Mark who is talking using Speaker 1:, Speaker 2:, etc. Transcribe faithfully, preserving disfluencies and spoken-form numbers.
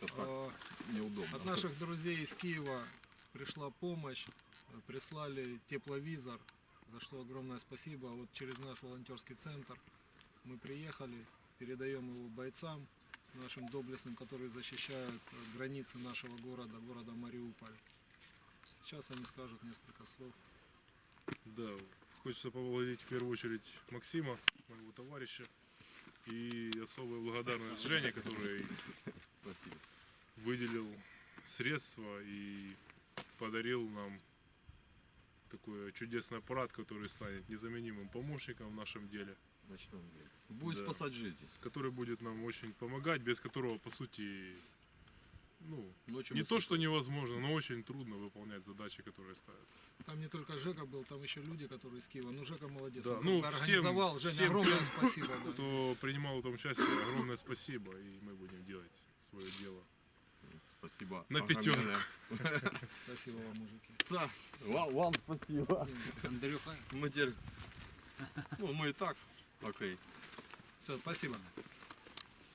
Speaker 1: как-то так
Speaker 2: А,
Speaker 1: неудобно.
Speaker 2: От наших друзей из Киева пришла помощь, прислали тепловизор, за что огромное спасибо. Вот через наш волонтерский центр мы приехали, передаем его бойцам, нашим доблестным, которые защищают границы нашего города, города Мариуполь. Сейчас они скажут несколько слов.
Speaker 3: Да, хочется поблагодарить в первую очередь Максима, моего товарища, и особая благодарность Жене, который
Speaker 1: Спасибо.
Speaker 3: выделил средства и подарил нам такой чудесный аппарат, который станет незаменимым помощником в нашем деле,
Speaker 1: В ночном деле. Будет
Speaker 3: Да.
Speaker 1: спасать жизни.
Speaker 3: который будет нам очень помогать, без которого, по сути, ну,
Speaker 1: Ночью
Speaker 3: не
Speaker 1: мы
Speaker 3: то,
Speaker 1: спокойно.
Speaker 3: что невозможно, но очень трудно выполнять задачи, которые ставятся.
Speaker 2: Там не только Жека был, там еще люди, которые из Киева. Ну, Жека молодец,
Speaker 3: Да,
Speaker 2: он
Speaker 3: ну,
Speaker 2: как бы
Speaker 3: всем-
Speaker 2: организовал. Женя,
Speaker 3: всем,
Speaker 2: огромное спасибо. Да.
Speaker 3: Кто принимал в этом участие, огромное спасибо, и мы будем делать свое дело.
Speaker 1: Спасибо.
Speaker 3: На
Speaker 1: огромное.
Speaker 3: пятерку.
Speaker 2: Спасибо вам, мужики.
Speaker 1: Да, вам, вам спасибо.
Speaker 2: Андрюха.
Speaker 1: Мы теперь... Ну, мы и так. Окей.
Speaker 2: Все, спасибо.